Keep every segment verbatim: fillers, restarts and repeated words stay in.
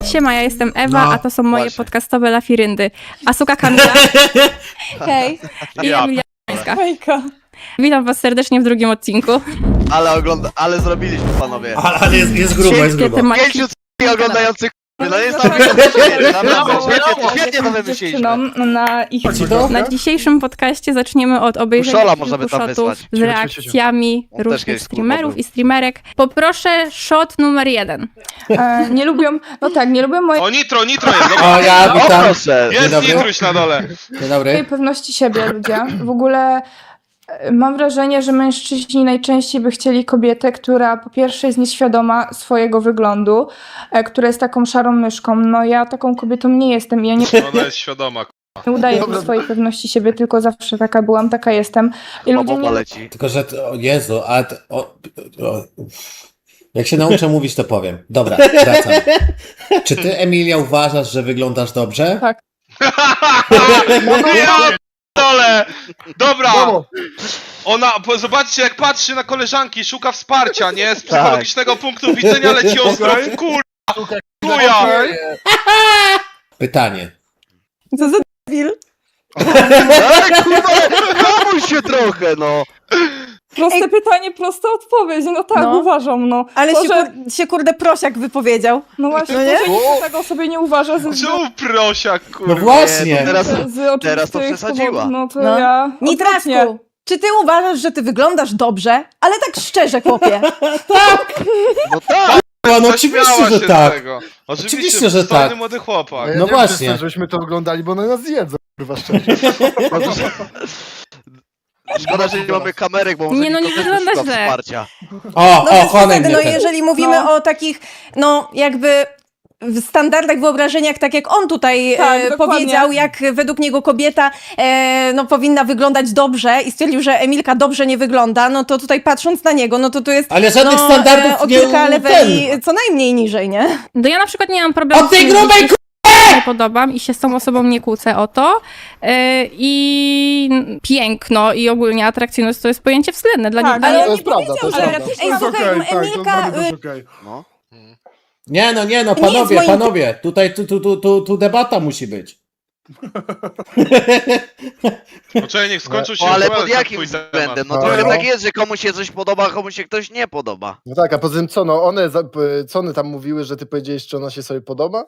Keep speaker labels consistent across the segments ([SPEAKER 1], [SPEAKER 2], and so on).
[SPEAKER 1] Siema, ja jestem Ewa,
[SPEAKER 2] No,
[SPEAKER 1] a to są moje
[SPEAKER 3] właśnie.
[SPEAKER 1] podcastowe lafiryndy. Asuka Kamila
[SPEAKER 4] Hej.
[SPEAKER 1] i
[SPEAKER 3] Ja
[SPEAKER 1] Emilia Jańska.
[SPEAKER 4] Hejka.
[SPEAKER 1] Witam was serdecznie w drugim odcinku.
[SPEAKER 3] Ale ogląda, ale zrobiliśmy, panowie.
[SPEAKER 2] Ale, ale jest, jest grubo, jest
[SPEAKER 1] Wszystkie
[SPEAKER 2] grubo.
[SPEAKER 1] tematy.
[SPEAKER 3] Pięciu c- oglądających. No jest tam naprawdę, świetnie, świetnie to wymyśliliśmy.
[SPEAKER 4] Dziewczynom na ich
[SPEAKER 2] Chodzi to?
[SPEAKER 1] Na dzisiejszym podcaście zaczniemy od obejrzenia
[SPEAKER 3] Uszola możemy
[SPEAKER 1] kilku
[SPEAKER 3] tam
[SPEAKER 1] shotów
[SPEAKER 3] wysłać.
[SPEAKER 1] z reakcjami
[SPEAKER 3] On też
[SPEAKER 1] różnych
[SPEAKER 3] kiedyś
[SPEAKER 1] streamerów
[SPEAKER 3] kurwa
[SPEAKER 1] i streamerek. Poproszę shot numer jeden.
[SPEAKER 4] E, nie lubią, no tak, nie lubią mojej
[SPEAKER 5] O, nitro, nitro jest, dobra.
[SPEAKER 2] O, ja
[SPEAKER 3] O
[SPEAKER 2] witam.
[SPEAKER 3] proszę.
[SPEAKER 2] Dzień
[SPEAKER 5] Jest
[SPEAKER 2] dobry.
[SPEAKER 5] nitruś na dole.
[SPEAKER 2] Dzień dobry.
[SPEAKER 4] pewności siebie ludzie. W ogóle e, mam wrażenie, że mężczyźni najczęściej by chcieli kobietę, która po pierwsze jest nieświadoma swojego wyglądu, e, która jest taką szarą myszką. No ja taką kobietą nie jestem i ja nie,
[SPEAKER 5] Ona jest świadoma.
[SPEAKER 4] nie udaję swojej pewności siebie, tylko zawsze taka byłam, taka jestem. I ludzie
[SPEAKER 3] Bomba
[SPEAKER 4] nie
[SPEAKER 3] leci.
[SPEAKER 2] Tylko, że... to- O Jezu, a... to- O, o, jak się nauczę mówić, to powiem. Dobra, wracam. Czy ty, Emilia, uważasz, że wyglądasz dobrze?
[SPEAKER 4] Tak.
[SPEAKER 5] Ja dole! Dobra! Ona, po- zobaczcie jak patrzy na koleżanki, szuka wsparcia, nie? Z psychologicznego punktu widzenia leci ostro w kur... Chuja!
[SPEAKER 2] Pytanie.
[SPEAKER 4] Co za debil?
[SPEAKER 3] Ale kurwa, hamuj się trochę, no.
[SPEAKER 4] Proste pytanie, prosta odpowiedź. No tak,
[SPEAKER 6] No.
[SPEAKER 4] uważam, no.
[SPEAKER 6] Ale
[SPEAKER 4] To,
[SPEAKER 6] się,
[SPEAKER 4] że-
[SPEAKER 6] kur, się kurde prosiak wypowiedział.
[SPEAKER 4] No właśnie,
[SPEAKER 6] No
[SPEAKER 4] to,
[SPEAKER 6] nie?
[SPEAKER 4] że nikt tego sobie nie uważa ze, z,
[SPEAKER 5] Czemu prosiak,
[SPEAKER 2] No
[SPEAKER 5] kurwa?
[SPEAKER 3] Nie,
[SPEAKER 2] właśnie.
[SPEAKER 3] to teraz,
[SPEAKER 4] z oczywistych
[SPEAKER 3] teraz to przesadziła.
[SPEAKER 4] powodów, no to
[SPEAKER 6] No.
[SPEAKER 4] ja odwrotnie.
[SPEAKER 6] Nitraszku, czy ty uważasz, że ty wyglądasz dobrze? Ale tak szczerze, chłopie.
[SPEAKER 3] no tak.
[SPEAKER 2] No oczywiście,
[SPEAKER 5] Zaśmiała
[SPEAKER 2] że
[SPEAKER 5] się
[SPEAKER 2] tak.
[SPEAKER 5] z tego. Oczywiście,
[SPEAKER 2] Oczywiście, że
[SPEAKER 5] przystojny
[SPEAKER 2] tak.
[SPEAKER 5] młody chłopak.
[SPEAKER 7] Ja
[SPEAKER 2] No
[SPEAKER 7] nie
[SPEAKER 2] właśnie.
[SPEAKER 7] Chcę, żebyśmy to oglądali, bo one nas zjedzą, kurwa szczerze.
[SPEAKER 3] Szkoda, że nie mamy kamerek, bo może
[SPEAKER 1] Nie, no nie
[SPEAKER 3] Niko też
[SPEAKER 1] wygląda
[SPEAKER 3] szuka
[SPEAKER 1] źle.
[SPEAKER 3] wsparcia.
[SPEAKER 2] O,
[SPEAKER 6] No
[SPEAKER 2] o,
[SPEAKER 6] bez
[SPEAKER 2] kochany
[SPEAKER 6] przesady,
[SPEAKER 2] mnie
[SPEAKER 6] no
[SPEAKER 2] ten.
[SPEAKER 6] jeżeli mówimy
[SPEAKER 4] No.
[SPEAKER 6] o takich, no jakby w standardach, wyobrażeniach, tak jak on tutaj
[SPEAKER 4] Tak,
[SPEAKER 6] e,
[SPEAKER 4] dokładnie.
[SPEAKER 6] powiedział, jak według niego kobieta e, no, powinna wyglądać dobrze i stwierdził, że Emilka dobrze nie wygląda, no to tutaj patrząc na niego, no to tu jest
[SPEAKER 2] Ale żadnych
[SPEAKER 6] no,
[SPEAKER 2] standardów
[SPEAKER 6] e, o
[SPEAKER 2] nie
[SPEAKER 6] kilka
[SPEAKER 2] ten.
[SPEAKER 6] leveli co najmniej niżej, nie?
[SPEAKER 1] No ja na przykład nie mam problemu
[SPEAKER 2] Od tej
[SPEAKER 1] z tym,
[SPEAKER 2] grubej
[SPEAKER 1] że się nie podobam i się z tą osobą nie kłócę o to. Yy, I piękno i ogólnie atrakcyjność to jest pojęcie względne. Dla
[SPEAKER 4] Tak,
[SPEAKER 1] nikogo
[SPEAKER 4] ale
[SPEAKER 1] nie
[SPEAKER 7] To jest prawda, to jest
[SPEAKER 6] ale-
[SPEAKER 7] prawda.
[SPEAKER 6] Ej, słuchaj, Emilka, y,
[SPEAKER 7] okej.
[SPEAKER 3] No.
[SPEAKER 2] Nie, no nie, no
[SPEAKER 6] To nie jest
[SPEAKER 2] panowie,
[SPEAKER 6] moim-
[SPEAKER 2] panowie. Tutaj, tu, tu, tu, tu, tu debata musi być.
[SPEAKER 5] Poczekaj, niech skończą się
[SPEAKER 3] O, ale
[SPEAKER 5] duele,
[SPEAKER 3] pod
[SPEAKER 5] to
[SPEAKER 3] jakim
[SPEAKER 5] twój temat.
[SPEAKER 3] względem? No
[SPEAKER 7] No.
[SPEAKER 3] trochę tak jest, że komuś się coś podoba, a komuś się ktoś nie podoba.
[SPEAKER 7] No tak, a poza tym co, no one, za- p- co one tam mówiły, że ty powiedziałeś, czy ona się sobie podoba?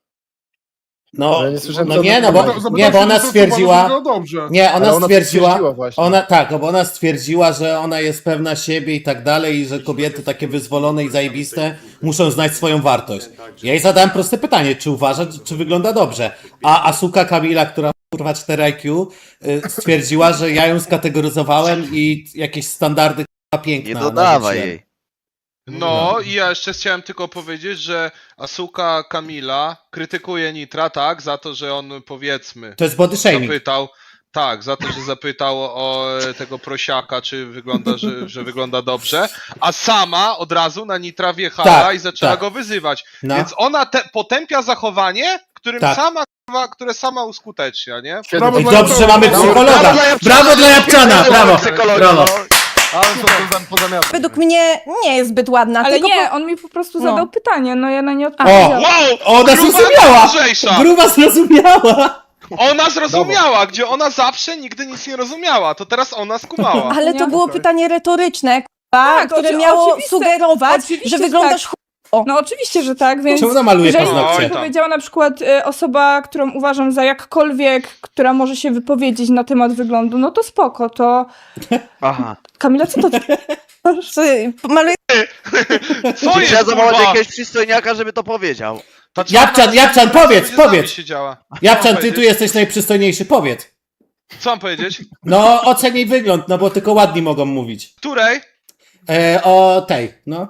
[SPEAKER 2] No,
[SPEAKER 7] Ja nie słyszałem,
[SPEAKER 2] no
[SPEAKER 7] co
[SPEAKER 2] nie,
[SPEAKER 7] ona
[SPEAKER 2] no bo,
[SPEAKER 7] powiedziała.
[SPEAKER 2] nie, bo ona stwierdziła...
[SPEAKER 8] Dobrze.
[SPEAKER 2] Nie,
[SPEAKER 7] Ale
[SPEAKER 2] ona
[SPEAKER 7] ona
[SPEAKER 2] stwierdziła,
[SPEAKER 7] potwierdziła właśnie.
[SPEAKER 2] ona tak, no bo ona stwierdziła, że ona jest pewna siebie i tak dalej i że kobiety takie wyzwolone i zajebiste muszą znać swoją wartość. Ja jej zadałem proste pytanie, czy uważa, czy wygląda dobrze, a Asuka Kamila, która kurwa cztery I Q, y, stwierdziła, że ja ją skategoryzowałem i jakieś standardy kurwa piękna
[SPEAKER 3] Nie dodawaj
[SPEAKER 2] narzuciłem.
[SPEAKER 3] jej.
[SPEAKER 5] No i ja jeszcze chciałem tylko powiedzieć, że Asuka Kamila krytykuje Nitra, tak, za to, że on powiedzmy
[SPEAKER 2] To jest body shaming.
[SPEAKER 5] zapytał, tak, za to, że zapytał o e, tego prosiaka, czy wygląda, że, że wygląda dobrze, a sama od razu na Nitra wjechała
[SPEAKER 2] Tak,
[SPEAKER 5] i zaczęła
[SPEAKER 2] tak.
[SPEAKER 5] go wyzywać.
[SPEAKER 2] No.
[SPEAKER 5] Więc ona te, potępia zachowanie, którym
[SPEAKER 2] Tak.
[SPEAKER 5] sama, kurwa, które sama uskutecznia, nie?
[SPEAKER 8] Brawo
[SPEAKER 2] I
[SPEAKER 8] dla
[SPEAKER 2] dobrze, że mamy
[SPEAKER 8] Brawo.
[SPEAKER 2] psychologa. Brawo dla Japczana, brawo, brawo.
[SPEAKER 7] Ale co to za pozamiatne?
[SPEAKER 6] według mnie nie jest zbyt ładna.
[SPEAKER 4] Ale
[SPEAKER 6] tylko
[SPEAKER 4] nie,
[SPEAKER 6] po...
[SPEAKER 4] on mi po prostu
[SPEAKER 6] No.
[SPEAKER 4] zadał pytanie, no ja na nie
[SPEAKER 2] O!
[SPEAKER 4] odpowiedziałam.
[SPEAKER 5] Wow!
[SPEAKER 2] Ona
[SPEAKER 5] gruba
[SPEAKER 2] zrozumiała!
[SPEAKER 5] mądrzejsza!
[SPEAKER 2] Gruba zrozumiała!
[SPEAKER 5] Ona zrozumiała, gdzie ona zawsze nigdy nic nie rozumiała, to teraz ona skumała.
[SPEAKER 6] Ale to
[SPEAKER 4] Nie?
[SPEAKER 6] było
[SPEAKER 7] Okej.
[SPEAKER 6] pytanie retoryczne, k***a,
[SPEAKER 4] Tak,
[SPEAKER 6] które
[SPEAKER 4] oczy-
[SPEAKER 6] miało
[SPEAKER 4] oczywiste-
[SPEAKER 6] sugerować,
[SPEAKER 4] oczywiście,
[SPEAKER 6] że
[SPEAKER 4] że
[SPEAKER 6] wyglądasz
[SPEAKER 4] tak. No oczywiście, że tak, więc
[SPEAKER 2] Czemu ona maluje
[SPEAKER 4] jeżeli
[SPEAKER 2] paznokcie?
[SPEAKER 5] Oj, tam.
[SPEAKER 4] powiedziała na przykład y, osoba, którą uważam za jakkolwiek, która może się wypowiedzieć na temat wyglądu, no to spoko, to...
[SPEAKER 3] Aha.
[SPEAKER 4] Kamila, co to ty?
[SPEAKER 6] Czy maluje
[SPEAKER 5] Co
[SPEAKER 3] Czy
[SPEAKER 5] jest,
[SPEAKER 3] trzeba zawołać
[SPEAKER 5] kurwa?
[SPEAKER 3] jakiegoś przystojniaka, żeby to powiedział?
[SPEAKER 5] Ta czarna
[SPEAKER 2] Japczan, Japczan, powiedz,
[SPEAKER 5] będzie z nami
[SPEAKER 2] powiedz!
[SPEAKER 5] siedziała.
[SPEAKER 2] Japczan,
[SPEAKER 5] Co
[SPEAKER 2] ty
[SPEAKER 5] mam
[SPEAKER 2] tu jesteś najprzystojniejszy, powiedz.
[SPEAKER 5] Co mam powiedzieć?
[SPEAKER 2] No, oceń jej wygląd, no bo tylko ładni mogą mówić.
[SPEAKER 5] Której?
[SPEAKER 2] E, o tej, no.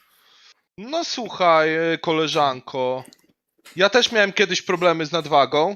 [SPEAKER 5] No słuchaj, e, koleżanko. Ja też miałem kiedyś problemy z nadwagą.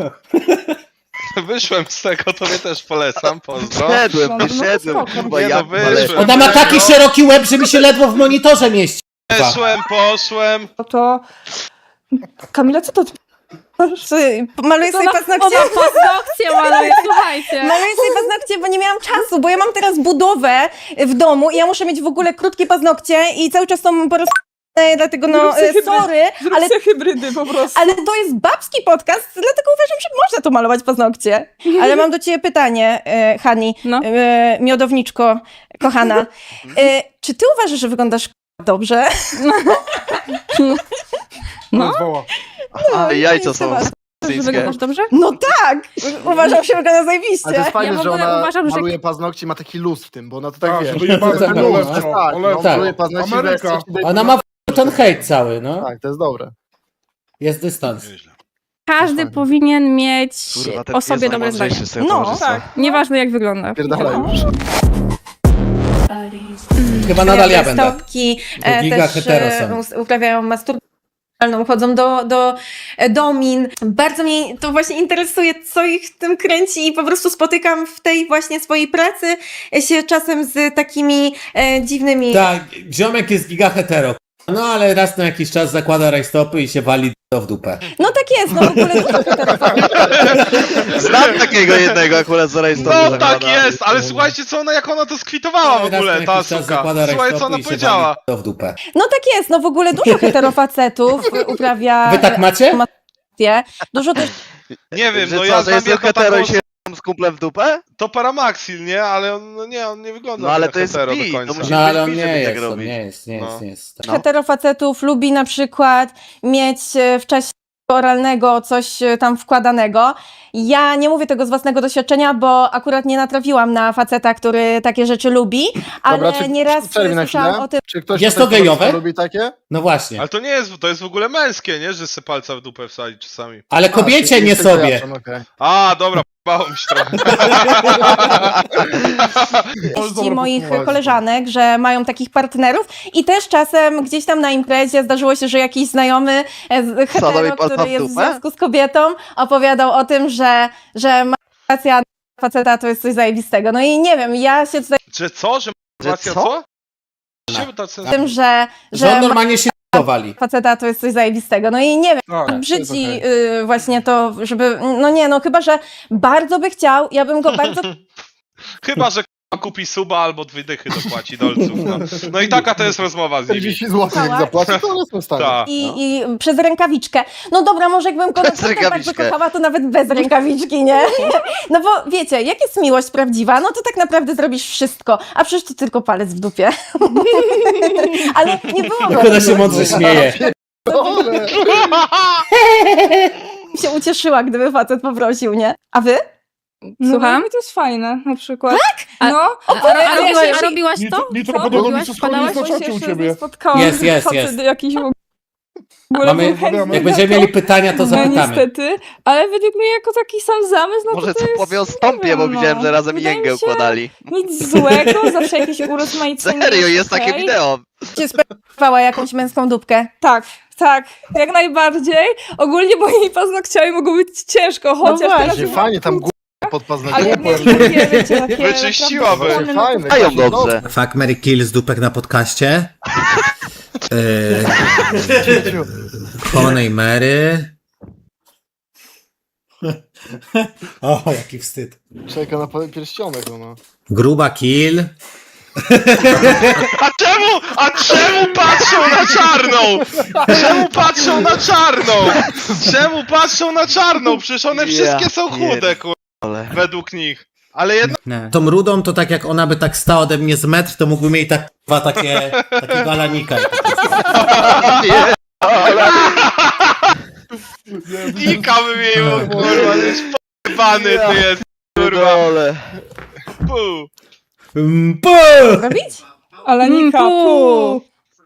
[SPEAKER 5] Wyszłem z tego, tobie też polecam, pozdro.
[SPEAKER 3] Wyszedłem,
[SPEAKER 4] No, no to
[SPEAKER 3] wyszedłem,
[SPEAKER 4] spoko.
[SPEAKER 3] kurwa,
[SPEAKER 5] Nie, no,
[SPEAKER 3] jak
[SPEAKER 5] wyszłem.
[SPEAKER 3] wyszłem.
[SPEAKER 2] Ona ma taki szeroki łeb, że mi się ledwo w monitorze mieści.
[SPEAKER 5] Poszłem, poszłem.
[SPEAKER 4] No to... Kamila, co to ty?
[SPEAKER 6] czy maluje sobie
[SPEAKER 1] Ona,
[SPEAKER 6] paznokcie?
[SPEAKER 1] ona paznokcie maluje, słuchajcie.
[SPEAKER 6] Maluję sobie paznokcie, bo nie miałam czasu, bo ja mam teraz budowę w domu i ja muszę mieć w ogóle krótkie paznokcie i cały czas są po prostu e, dlatego no,
[SPEAKER 4] Zrób se
[SPEAKER 6] e,
[SPEAKER 4] hybrydy.
[SPEAKER 6] sorry,
[SPEAKER 4] Zrób
[SPEAKER 6] ale,
[SPEAKER 4] se hybrydy po prostu.
[SPEAKER 6] ale to jest babski podcast, dlatego uważam, że można tu malować paznokcie. Ale mam do ciebie pytanie, e, Hani,
[SPEAKER 1] No.
[SPEAKER 6] e, miodowniczko, kochana. E, czy ty uważasz, że wyglądasz dobrze?
[SPEAKER 1] No,
[SPEAKER 3] Ale jajca
[SPEAKER 6] jest
[SPEAKER 3] są
[SPEAKER 6] temat.
[SPEAKER 1] że
[SPEAKER 3] syńskie.
[SPEAKER 1] wyglądasz dobrze?
[SPEAKER 6] No tak! Uważam się, że wygląda
[SPEAKER 7] Ale to
[SPEAKER 6] zajebiście.
[SPEAKER 7] jest fajne,
[SPEAKER 1] Ja w
[SPEAKER 7] że
[SPEAKER 1] ogóle
[SPEAKER 7] ona
[SPEAKER 1] uważam, że-
[SPEAKER 7] maluje paznokci i ma taki luz w tym, bo ona to tak
[SPEAKER 8] Tak,
[SPEAKER 7] wie.
[SPEAKER 8] żeby jebać
[SPEAKER 2] Tak,
[SPEAKER 8] na
[SPEAKER 2] no,
[SPEAKER 8] lepszą,
[SPEAKER 7] Tak, no,
[SPEAKER 8] lepszą.
[SPEAKER 2] Tak.
[SPEAKER 7] maluje paznokci, że jak
[SPEAKER 8] Ameryka.
[SPEAKER 7] chce ci dać-
[SPEAKER 2] Ona ma w- ten hejt cały, no.
[SPEAKER 7] Tak, to jest dobre.
[SPEAKER 2] Jest dystans.
[SPEAKER 5] Nieźle.
[SPEAKER 1] Każdy
[SPEAKER 7] fajne.
[SPEAKER 1] powinien mieć
[SPEAKER 3] Kurwa, ten
[SPEAKER 1] o sobie
[SPEAKER 3] pies
[SPEAKER 1] dobre zdanie.
[SPEAKER 3] najmądrzejszy z tego
[SPEAKER 6] No,
[SPEAKER 3] towarzystwa.
[SPEAKER 1] Tak, nieważne jak wygląda.
[SPEAKER 7] Pierdala już.
[SPEAKER 2] Chyba nadal ja
[SPEAKER 6] Uprawiają
[SPEAKER 2] będę.
[SPEAKER 6] stopki,
[SPEAKER 2] Bo
[SPEAKER 6] e,
[SPEAKER 2] giga
[SPEAKER 6] też
[SPEAKER 2] hetero
[SPEAKER 6] e,
[SPEAKER 2] są.
[SPEAKER 6] us- uprawiają masturbację, chodzą do, do e, domin. Bardzo mnie to właśnie interesuje, co ich w tym kręci i po prostu spotykam w tej właśnie swojej pracy się czasem z takimi e, dziwnymi...
[SPEAKER 2] Tak, ziomek jest giga hetero. No ale raz na jakiś czas zakłada rajstopy i się wali to w dupę.
[SPEAKER 6] No tak jest, no w ogóle dużo heterofobów.
[SPEAKER 3] Znam takiego jednego akurat z rejestru.
[SPEAKER 5] No tak jest, ale słuchajcie co ona, jak ona to skwitowała w
[SPEAKER 2] Ale raz
[SPEAKER 5] ogóle,
[SPEAKER 2] na
[SPEAKER 5] ta
[SPEAKER 2] jakiś czas
[SPEAKER 5] suka.
[SPEAKER 2] zakłada
[SPEAKER 5] Słuchaj co
[SPEAKER 2] rajstopy
[SPEAKER 5] ona
[SPEAKER 2] i się
[SPEAKER 5] powiedziała.
[SPEAKER 2] wali to w dupę.
[SPEAKER 6] No tak jest, no w ogóle dużo heterofacetów uprawia...
[SPEAKER 2] Wy tak macie?
[SPEAKER 6] masturbację. Dużo też
[SPEAKER 5] Nie wiem,
[SPEAKER 3] Że
[SPEAKER 5] no
[SPEAKER 3] co,
[SPEAKER 5] ja
[SPEAKER 3] że
[SPEAKER 5] znam
[SPEAKER 3] jest
[SPEAKER 5] jedną
[SPEAKER 3] hetero
[SPEAKER 5] taką,
[SPEAKER 3] i się z kumplem w dupę?
[SPEAKER 5] to Paramaxil, nie? Ale on, no nie, on nie wygląda
[SPEAKER 3] No ale
[SPEAKER 5] jak
[SPEAKER 3] to jest
[SPEAKER 5] hetero
[SPEAKER 3] bi,
[SPEAKER 5] do
[SPEAKER 3] to
[SPEAKER 5] końca.
[SPEAKER 3] musi-
[SPEAKER 2] No ale on
[SPEAKER 3] być
[SPEAKER 2] nie
[SPEAKER 3] żeby tak
[SPEAKER 2] jest, on
[SPEAKER 3] robić.
[SPEAKER 2] nie jest, nie jest,
[SPEAKER 5] No.
[SPEAKER 2] nie jest.
[SPEAKER 3] No.
[SPEAKER 6] heterofacetów lubi na przykład mieć e, w czasie oralnego coś e, tam wkładanego. Ja nie mówię tego z własnego doświadczenia, bo akurat nie natrafiłam na faceta, który takie rzeczy lubi, ale
[SPEAKER 7] Dobra, czy,
[SPEAKER 6] nieraz
[SPEAKER 7] przerwij na
[SPEAKER 6] słyszałam
[SPEAKER 7] chwilę.
[SPEAKER 6] o tym.
[SPEAKER 7] Czy ktoś
[SPEAKER 2] Jest
[SPEAKER 7] tutaj
[SPEAKER 2] to gejowe?
[SPEAKER 7] lubi takie?
[SPEAKER 2] No właśnie.
[SPEAKER 5] Ale to nie jest, to jest w ogóle męskie, nie? Że se palca w dupę wsadzi czasami.
[SPEAKER 2] Ale kobiecie, nie sobie.
[SPEAKER 5] A, dobra, p***ało mi się trochę.
[SPEAKER 6] Wieści moich koleżanek, że mają takich partnerów i też czasem gdzieś tam na imprezie zdarzyło się, że jakiś znajomy e, z-
[SPEAKER 3] Wsadzał jej
[SPEAKER 6] hetero,
[SPEAKER 3] palca
[SPEAKER 6] który
[SPEAKER 3] w
[SPEAKER 6] jest w
[SPEAKER 3] dupę?
[SPEAKER 6] związku z kobietą, opowiadał o tym, że, że masturbacja faceta to jest coś zajebistego. No i nie wiem, ja się tutaj
[SPEAKER 5] Że co? Że
[SPEAKER 3] Że
[SPEAKER 5] masturbacja
[SPEAKER 3] co?
[SPEAKER 5] co? Czemu tacy...
[SPEAKER 6] z tym, że,
[SPEAKER 2] Że on
[SPEAKER 6] że
[SPEAKER 2] normalnie się wali.
[SPEAKER 6] faceta to jest coś zajebistego. No i nie wiem,
[SPEAKER 8] Tak, to jest
[SPEAKER 6] brzydzi
[SPEAKER 8] okej.
[SPEAKER 6] y, właśnie to, żeby, no nie, no chyba, że bardzo by chciał, ja bym go bardzo
[SPEAKER 5] Chyba, że k***a kupi suba albo dwie dychy dopłaci dolców. No. no i taka to jest rozmowa z nimi.
[SPEAKER 7] czterdzieści złotych jak zapłaci, to one są w stanie.
[SPEAKER 5] Tak.
[SPEAKER 6] i,
[SPEAKER 3] No.
[SPEAKER 6] i przez rękawiczkę. No dobra, może jakbym go
[SPEAKER 3] Przez
[SPEAKER 6] naprawdę tak
[SPEAKER 3] rękawiczkę.
[SPEAKER 6] wykochała, to nawet bez rękawiczki, nie? No bo wiecie, jak jest miłość prawdziwa, no to tak naprawdę zrobisz wszystko, a przecież to tylko palec w dupie. Ale nie było
[SPEAKER 2] Jak ona się mądrze śmieje.
[SPEAKER 7] Dobre.
[SPEAKER 6] się ucieszyła, gdyby facet poprosił, nie? A wy?
[SPEAKER 1] Słucham?
[SPEAKER 4] No, to jest fajne, na przykład.
[SPEAKER 1] A-
[SPEAKER 4] No,
[SPEAKER 1] A, a,
[SPEAKER 4] ale
[SPEAKER 1] a,
[SPEAKER 4] wiesz,
[SPEAKER 1] a robiłaś to?
[SPEAKER 8] Nitro, nitro
[SPEAKER 4] Co?
[SPEAKER 8] podobno mi
[SPEAKER 1] Robiłaś?
[SPEAKER 8] się skłonił
[SPEAKER 1] Wpadałaś?
[SPEAKER 8] na czacie u ciebie.
[SPEAKER 4] spotkałam
[SPEAKER 2] Jest, jest,
[SPEAKER 4] facet
[SPEAKER 2] jest.
[SPEAKER 4] jakiś w ogóle
[SPEAKER 2] Mamy,
[SPEAKER 4] był chętny
[SPEAKER 2] jak
[SPEAKER 4] na
[SPEAKER 2] będziemy
[SPEAKER 4] to.
[SPEAKER 2] mieli pytania, to
[SPEAKER 4] No
[SPEAKER 2] zapytamy.
[SPEAKER 4] niestety, ale według mnie jako taki sam zamysł, no
[SPEAKER 3] Może
[SPEAKER 4] to, to
[SPEAKER 3] co
[SPEAKER 4] jest,
[SPEAKER 3] powie o
[SPEAKER 4] nie
[SPEAKER 3] stąpie,
[SPEAKER 4] wiem,
[SPEAKER 3] bo
[SPEAKER 4] no.
[SPEAKER 3] widziałem, że razem
[SPEAKER 4] Wydaje
[SPEAKER 3] jęgę
[SPEAKER 4] mi się,
[SPEAKER 3] układali.
[SPEAKER 4] Nic złego, zawsze jakieś urozmaicenie.
[SPEAKER 3] Serio, jest takie
[SPEAKER 4] okej.
[SPEAKER 3] wideo.
[SPEAKER 6] Cię sprawowała jakąś męską dupkę?
[SPEAKER 4] Tak, tak, jak najbardziej. Ogólnie moimi paznokciami mogą być ciężko, chociaż
[SPEAKER 6] właśnie.
[SPEAKER 4] teraz
[SPEAKER 7] Właśnie, fajnie, tam gó- pod
[SPEAKER 4] ale
[SPEAKER 7] paznokciem.
[SPEAKER 4] jak mieć takie, wiecie, takie
[SPEAKER 5] Wyczyściłaby.
[SPEAKER 4] naprawdę
[SPEAKER 7] Fajne,
[SPEAKER 4] wolne,
[SPEAKER 3] Mają
[SPEAKER 7] właśnie,
[SPEAKER 3] dobrze.
[SPEAKER 2] Fuck, Mary Kill z dupek na podcaście. Yy, Konej Mary. O, jaki wstyd.
[SPEAKER 7] Czeka na pa- pierścionek, no.
[SPEAKER 2] Gruba Kill.
[SPEAKER 5] A czemu, a czemu patrzą na czarną? Czemu patrzą na czarną? Czemu patrzą na czarną? Przecież one
[SPEAKER 3] Ja
[SPEAKER 5] wszystkie są chude,
[SPEAKER 3] pier-
[SPEAKER 5] kur...
[SPEAKER 3] Ale...
[SPEAKER 5] według nich. Ale jedno...
[SPEAKER 2] Tą rudą to tak jak ona by tak stała ode mnie z metr, to mógłbym jej tak dwa takie, takiego alanika.
[SPEAKER 5] Ika wymieniło, kurwa, to jest p***bany, ty jest, kurwa.
[SPEAKER 3] Dole.
[SPEAKER 5] Pu.
[SPEAKER 2] Mm, pu!
[SPEAKER 6] Robić?
[SPEAKER 4] ale
[SPEAKER 1] Mm,
[SPEAKER 4] Nika,
[SPEAKER 1] pu.
[SPEAKER 4] pu.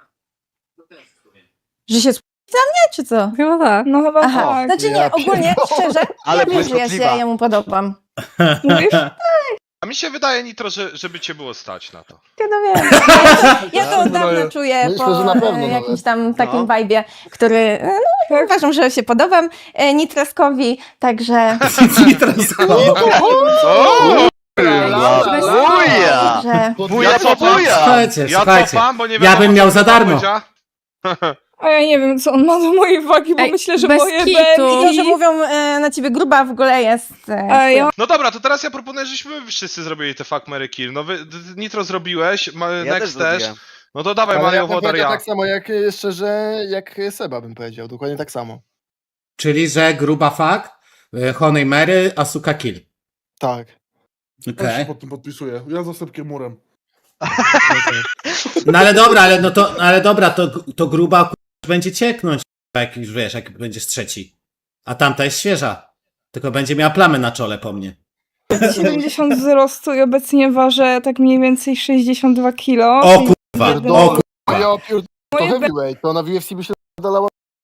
[SPEAKER 6] Że się sp- za mnie, czy co?
[SPEAKER 1] Chyba tak.
[SPEAKER 4] No chyba
[SPEAKER 6] Aha,
[SPEAKER 4] tak.
[SPEAKER 6] znaczy nie,
[SPEAKER 7] Ja
[SPEAKER 6] ogólnie, szczerze,
[SPEAKER 3] Ale
[SPEAKER 6] ja wiem, że ja się
[SPEAKER 3] błyskotliwa.
[SPEAKER 6] jemu podobam.
[SPEAKER 4] Mówisz?
[SPEAKER 5] A mi się wydaje, Nitro, że, żeby cię było stać na to.
[SPEAKER 6] Ja no wiem. Ja, ja to od dawna
[SPEAKER 7] Wydaje-
[SPEAKER 6] czuję
[SPEAKER 7] myślę,
[SPEAKER 6] po
[SPEAKER 7] że na pewno
[SPEAKER 6] e, jakimś
[SPEAKER 7] nawet.
[SPEAKER 6] tam takim
[SPEAKER 5] No.
[SPEAKER 6] vibe'ie, który e, no, uważam, że się podobam e, Nitraskowi, także...
[SPEAKER 5] O!
[SPEAKER 3] Buja!
[SPEAKER 6] że
[SPEAKER 3] Buja
[SPEAKER 5] Ja
[SPEAKER 3] po
[SPEAKER 5] co-
[SPEAKER 3] buja!
[SPEAKER 2] Słuchajcie,
[SPEAKER 5] Ja
[SPEAKER 2] słuchajcie.
[SPEAKER 5] cofam, bo nie
[SPEAKER 2] Ja
[SPEAKER 5] wiadomo,
[SPEAKER 2] bym
[SPEAKER 5] co
[SPEAKER 2] miał za
[SPEAKER 5] Kuba
[SPEAKER 2] darmo.
[SPEAKER 5] powiedziała.
[SPEAKER 4] A ja nie wiem, co on ma do mojej wagi, bo
[SPEAKER 1] Ej,
[SPEAKER 4] myślę, że
[SPEAKER 1] bez
[SPEAKER 4] moje
[SPEAKER 1] kitu.
[SPEAKER 6] I to, że
[SPEAKER 4] B M I...
[SPEAKER 6] mówią e, na ciebie gruba w ogóle jest... E,
[SPEAKER 4] A ja
[SPEAKER 5] No dobra, to teraz ja proponuję, żebyśmy wszyscy zrobili te fuck, marry, kill. No wy, d- d- Nitro zrobiłeś, ma,
[SPEAKER 3] Ja też
[SPEAKER 5] Next też.
[SPEAKER 3] zrobiłem.
[SPEAKER 5] No to dawaj
[SPEAKER 7] Ale ja
[SPEAKER 5] Mario
[SPEAKER 7] bym
[SPEAKER 5] Wodar,
[SPEAKER 7] powiedział
[SPEAKER 5] ja.
[SPEAKER 7] tak samo jak szczerze, jak Seba bym powiedział, dokładnie tak samo.
[SPEAKER 2] Czyli, że gruba fuck, y, Honey Mary, Asuka kill.
[SPEAKER 7] Tak.
[SPEAKER 2] Okej.
[SPEAKER 8] Też się pod tym podpisuję. Ja za Sepkiem murem.
[SPEAKER 2] No ale dobra, ale no to, ale dobra, to, to gruba k***, będzie cieknąć, jak już wiesz, jak będziesz trzeci. A tamta jest świeża. Tylko będzie miała plamy na czole po mnie.
[SPEAKER 4] siedemdziesiąt wzrostu i obecnie ważę tak mniej więcej sześćdziesiąt dwa kilo.
[SPEAKER 2] O kurwa, o kurwa.
[SPEAKER 7] Ja pier... to
[SPEAKER 4] Moje
[SPEAKER 7] heavyweight, to ona w U F C by się dalała.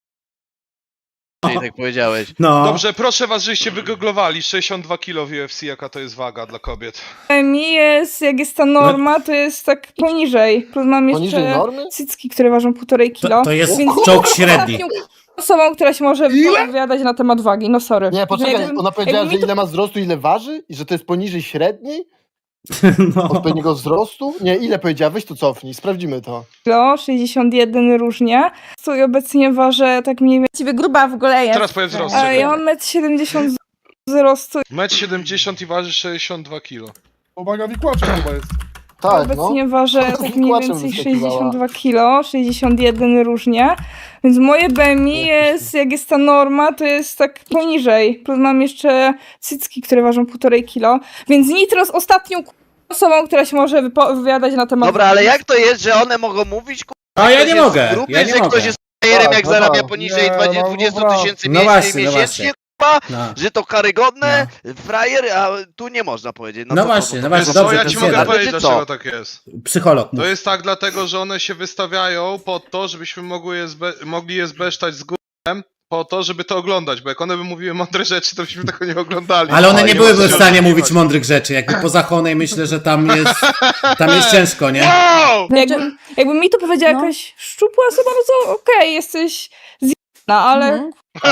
[SPEAKER 3] Tak powiedziałeś.
[SPEAKER 2] No.
[SPEAKER 5] Dobrze, proszę was, żeście wygooglowali sześćdziesiąt dwa kilo w U F C, jaka to jest waga dla kobiet.
[SPEAKER 4] Mi jest, jak jest ta norma, to jest tak poniżej. Plus mam
[SPEAKER 7] Poniżej
[SPEAKER 4] jeszcze
[SPEAKER 7] normy?
[SPEAKER 4] cycki, które ważą półtorej kilo.
[SPEAKER 2] To, to jest
[SPEAKER 4] Więc
[SPEAKER 2] czołg średni.
[SPEAKER 4] osobą, która się może wypowiadać na temat wagi. No sorry.
[SPEAKER 7] Nie, poczekaj,
[SPEAKER 4] Jakbym-
[SPEAKER 7] ona powiedziała,
[SPEAKER 4] jakby
[SPEAKER 7] że
[SPEAKER 4] mi to-
[SPEAKER 7] ile ma wzrostu, ile waży? I że to jest poniżej średniej?
[SPEAKER 2] No.
[SPEAKER 7] Odpowiedniego wzrostu? Nie, ile powiedziała? Weź to cofnij, sprawdzimy to.
[SPEAKER 4] kilo, sześćdziesiąt jeden różnie. I obecnie ważę tak mniej więcej.
[SPEAKER 6] Właściwie gruba w ogóle jest.
[SPEAKER 5] Teraz powiem wzrost.
[SPEAKER 4] A
[SPEAKER 5] czekaj.
[SPEAKER 4] ja mam metr siedemdziesiąt wzrostu.
[SPEAKER 5] metr siedemdziesiąt i waży sześćdziesiąt dwa kilo.
[SPEAKER 8] Pomaga wikłaczem chyba jest.
[SPEAKER 7] Tak, no.
[SPEAKER 4] Obecnie ważę tak mniej
[SPEAKER 7] Wikłaczem
[SPEAKER 4] więcej
[SPEAKER 7] wyskakiwała.
[SPEAKER 4] sześćdziesiąt dwa kilo, sześćdziesiąt jeden różnie. Więc moje B M I jest, jak jest ta norma, to jest tak poniżej. Plus mam jeszcze cycki, które ważą półtorej kilo. Więc Nitro z ostatnią k- osobą, która się może wypowiadać na temat
[SPEAKER 3] Dobra, ale jak to jest, że one mogą mówić, ku...
[SPEAKER 2] A ja
[SPEAKER 3] ktoś
[SPEAKER 2] nie
[SPEAKER 3] jest
[SPEAKER 2] mogę,
[SPEAKER 3] w grupie,
[SPEAKER 2] ja nie
[SPEAKER 3] że
[SPEAKER 2] mogę.
[SPEAKER 3] ktoś jest frajerem,
[SPEAKER 7] Tak,
[SPEAKER 3] jak
[SPEAKER 7] no
[SPEAKER 3] zarabia
[SPEAKER 7] tak.
[SPEAKER 3] poniżej
[SPEAKER 8] Nie,
[SPEAKER 3] dwadzieścia
[SPEAKER 8] no,
[SPEAKER 3] dwadzieścia
[SPEAKER 8] no,
[SPEAKER 3] tysięcy
[SPEAKER 2] no
[SPEAKER 3] miesięcznie,
[SPEAKER 2] właśnie, no
[SPEAKER 3] miesięcznie
[SPEAKER 2] właśnie.
[SPEAKER 3] k***a,
[SPEAKER 2] No.
[SPEAKER 3] że to karygodne, frajer, a tu nie można powiedzieć. No,
[SPEAKER 2] No
[SPEAKER 3] co
[SPEAKER 2] właśnie,
[SPEAKER 3] to,
[SPEAKER 2] no
[SPEAKER 3] to,
[SPEAKER 2] właśnie,
[SPEAKER 5] Wiesz
[SPEAKER 3] to,
[SPEAKER 5] co,
[SPEAKER 2] dobrze,
[SPEAKER 5] ja
[SPEAKER 2] to
[SPEAKER 5] ci
[SPEAKER 2] jest
[SPEAKER 5] mogę
[SPEAKER 2] jeden.
[SPEAKER 5] powiedzieć,
[SPEAKER 3] Czy
[SPEAKER 5] dlaczego
[SPEAKER 3] co?
[SPEAKER 5] tak jest.
[SPEAKER 2] Psycholog. mów.
[SPEAKER 5] To jest tak dlatego, że one się wystawiają po to, żebyśmy mogły je zbe- mogli je zbesztać z górem, po to, żeby to oglądać, bo jak one by mówiły mądre rzeczy, to byśmy tego nie oglądali.
[SPEAKER 2] Ale one
[SPEAKER 5] O,
[SPEAKER 2] nie
[SPEAKER 5] ma
[SPEAKER 2] byłyby
[SPEAKER 5] co
[SPEAKER 2] w
[SPEAKER 5] się
[SPEAKER 2] stanie
[SPEAKER 5] oszukiwać.
[SPEAKER 2] mówić mądrych rzeczy. Jakby poza Honej myślę, że tam jest, tam jest ciężko, nie?
[SPEAKER 5] Wow!
[SPEAKER 4] Jakby, jakby mi to powiedziała
[SPEAKER 6] No.
[SPEAKER 4] jakaś szczupła osoba, no to okej, jesteś zjebana, ale
[SPEAKER 6] Mhm.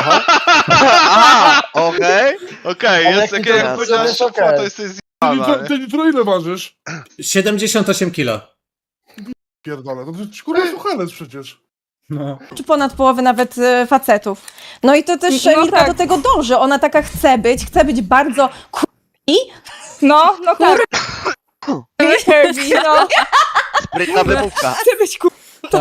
[SPEAKER 3] A, okej.
[SPEAKER 5] Okej,
[SPEAKER 7] Ale
[SPEAKER 5] jest
[SPEAKER 7] jak
[SPEAKER 5] takie,
[SPEAKER 7] to
[SPEAKER 5] jak
[SPEAKER 7] jest,
[SPEAKER 5] powiedziałeś,
[SPEAKER 7] to jest
[SPEAKER 5] szopła,
[SPEAKER 7] okej.
[SPEAKER 5] to jesteś
[SPEAKER 8] Ty
[SPEAKER 5] zjebana,
[SPEAKER 8] nitro,
[SPEAKER 5] nie?
[SPEAKER 8] ty nitro ile ważysz?
[SPEAKER 2] siedemdziesiąt osiem kilo.
[SPEAKER 8] Pierdolę, to ty kurwa suchalec przecież.
[SPEAKER 2] No.
[SPEAKER 6] Czy ponad połowy nawet e, facetów. No i to też
[SPEAKER 4] No
[SPEAKER 6] no Mirka
[SPEAKER 4] tak.
[SPEAKER 6] do tego dąży. Ona taka chce być, chce być bardzo k***i.
[SPEAKER 4] no, no tak. Heavy, no.
[SPEAKER 3] Sprytna wymówka.
[SPEAKER 4] Chcę być kur...
[SPEAKER 1] To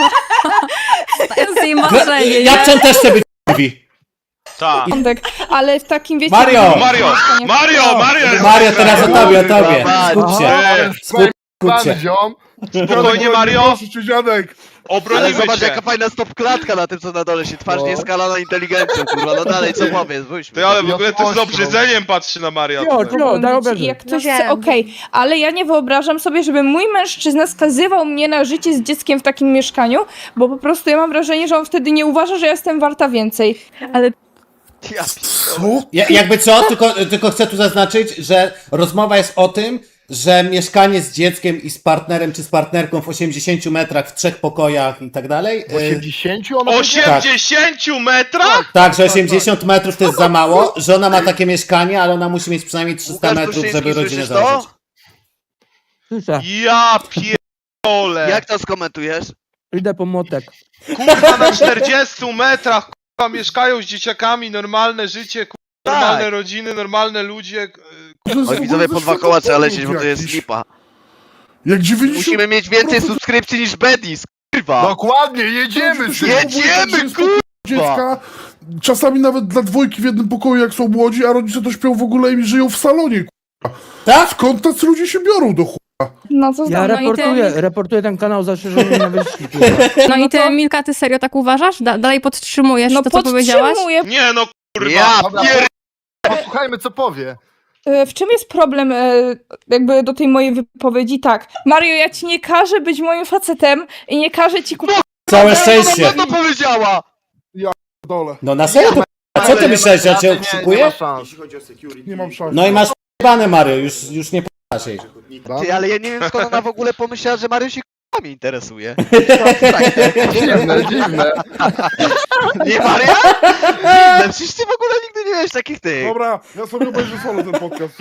[SPEAKER 1] jest jej marzenie,
[SPEAKER 2] Ja
[SPEAKER 1] nie?
[SPEAKER 2] czym też chcę być mówi.
[SPEAKER 5] Tak.
[SPEAKER 4] Porządek, ale w takim wiecie...
[SPEAKER 2] Mario!
[SPEAKER 5] Mario! Mario! Mario!
[SPEAKER 2] Mario, teraz o tobie, o tobie.
[SPEAKER 3] Dawaj.
[SPEAKER 2] Skup się.
[SPEAKER 5] Eee,
[SPEAKER 2] Skup, skup
[SPEAKER 7] Plany,
[SPEAKER 2] się.
[SPEAKER 7] ziom.
[SPEAKER 5] Spokojnie, Mario!
[SPEAKER 8] Proszę cię, dziadek.
[SPEAKER 3] Ale
[SPEAKER 5] Obronimy
[SPEAKER 3] zobacz,
[SPEAKER 5] cię!
[SPEAKER 3] jaka fajna stopklatka na tym, co na dole się twarz
[SPEAKER 7] No.
[SPEAKER 3] nie skalana inteligencją, kurwa. No dalej, co powiesz? Wójśmy.
[SPEAKER 5] Ty, ale w ogóle to z
[SPEAKER 7] Jasnością.
[SPEAKER 5] obrzydzeniem patrzy na Mario.
[SPEAKER 9] Jo, jo, daj
[SPEAKER 4] I
[SPEAKER 9] obejrzeć.
[SPEAKER 4] jak ktoś
[SPEAKER 6] No
[SPEAKER 4] chce,
[SPEAKER 6] wiem.
[SPEAKER 4] okej, ale ja nie wyobrażam sobie, żeby mój mężczyzna skazywał mnie na życie z dzieckiem w takim mieszkaniu, bo po prostu ja mam wrażenie, że on wtedy nie uważa, że ja jestem warta więcej. Ale
[SPEAKER 3] Ja
[SPEAKER 8] Co?
[SPEAKER 2] Ja, jakby co, tylko, tylko chcę tu zaznaczyć, że rozmowa jest o tym, że mieszkanie z dzieckiem i z partnerem czy z partnerką w osiemdziesięciu metrach, w trzech pokojach i tak dalej.
[SPEAKER 7] W osiemdziesięciu ona
[SPEAKER 5] osiemdziesięciu metrach?
[SPEAKER 2] Tak, że osiemdziesiąt metrów to jest za mało, że ona ma takie mieszkanie, ale ona musi mieć przynajmniej trzysta
[SPEAKER 3] Łukasz
[SPEAKER 2] metrów,
[SPEAKER 3] Tuszyński,
[SPEAKER 2] żeby rodzinę
[SPEAKER 3] słyszysz to?
[SPEAKER 2] założyć.
[SPEAKER 9] Słyszę,
[SPEAKER 5] Ja pierdolę!
[SPEAKER 3] Jak to skomentujesz?
[SPEAKER 9] idę po młotek.
[SPEAKER 5] Kurwa, na czterdziestu metrach, kurwa, mieszkają z dzieciakami, normalne życie, kurwa,
[SPEAKER 3] Tak.
[SPEAKER 5] normalne rodziny, normalne ludzie.
[SPEAKER 8] To jest
[SPEAKER 3] Oj,
[SPEAKER 8] w
[SPEAKER 3] widzowie,
[SPEAKER 8] ogóle
[SPEAKER 3] po dwa koła trzeba lecieć, bo to jest
[SPEAKER 8] jakiś.
[SPEAKER 3] lipa.
[SPEAKER 8] Jak dziewięćdziesiąt...
[SPEAKER 3] Musimy mieć więcej subskrypcji niż Bedis, kurwa.
[SPEAKER 7] Dokładnie, jedziemy!
[SPEAKER 3] Jedziemy, kurwa!
[SPEAKER 8] Dziecka, czasami nawet dla dwójki w jednym pokoju, jak są młodzi, a rodzice to śpią w ogóle i żyją w salonie, k***a.
[SPEAKER 2] Tak?
[SPEAKER 8] Skąd tacy ludzie się biorą do chuja?
[SPEAKER 4] no co
[SPEAKER 9] Ja
[SPEAKER 4] znam, no i
[SPEAKER 9] reportuję,
[SPEAKER 4] ty,
[SPEAKER 9] reportuję ten kanał za szerzenie nienawiści. kurwa.
[SPEAKER 1] No i
[SPEAKER 4] No
[SPEAKER 1] ty,
[SPEAKER 4] to-
[SPEAKER 1] Milka, ty serio tak uważasz? Da dalej podtrzymujesz
[SPEAKER 4] no
[SPEAKER 1] to, co powiedziałaś?
[SPEAKER 4] podtrzymuję.
[SPEAKER 5] Nie no, kurwa.
[SPEAKER 3] Ja
[SPEAKER 7] Dobra,
[SPEAKER 3] pier...
[SPEAKER 7] posłuchajmy, co powie.
[SPEAKER 4] E, W czym jest problem e, jakby do tej mojej wypowiedzi? Tak, Mario, ja ci nie każę być moim facetem i nie każę ci kupować.
[SPEAKER 2] Całe szczęście.
[SPEAKER 3] Co to powiedziała?
[SPEAKER 8] Dole.
[SPEAKER 2] No na serio? to- A co ty myślałeś, że ja cię
[SPEAKER 7] Nie, nie ma
[SPEAKER 2] okrzykuję?
[SPEAKER 7] szans.
[SPEAKER 8] Nie mam szans.
[SPEAKER 2] No i masz p***bane, Mario, już, już nie p***asz jej.
[SPEAKER 3] Ty, ale ja nie wiem, skąd ona w ogóle pomyślała, że Mario się k***ami interesuje.
[SPEAKER 7] Dziwne, dziwne.
[SPEAKER 3] Nie, Maria? Dziwne, przecież ty w ogóle nigdy nie miałeś takich tych.
[SPEAKER 8] Dobra, ja sobie obejrzę solo ten podcast.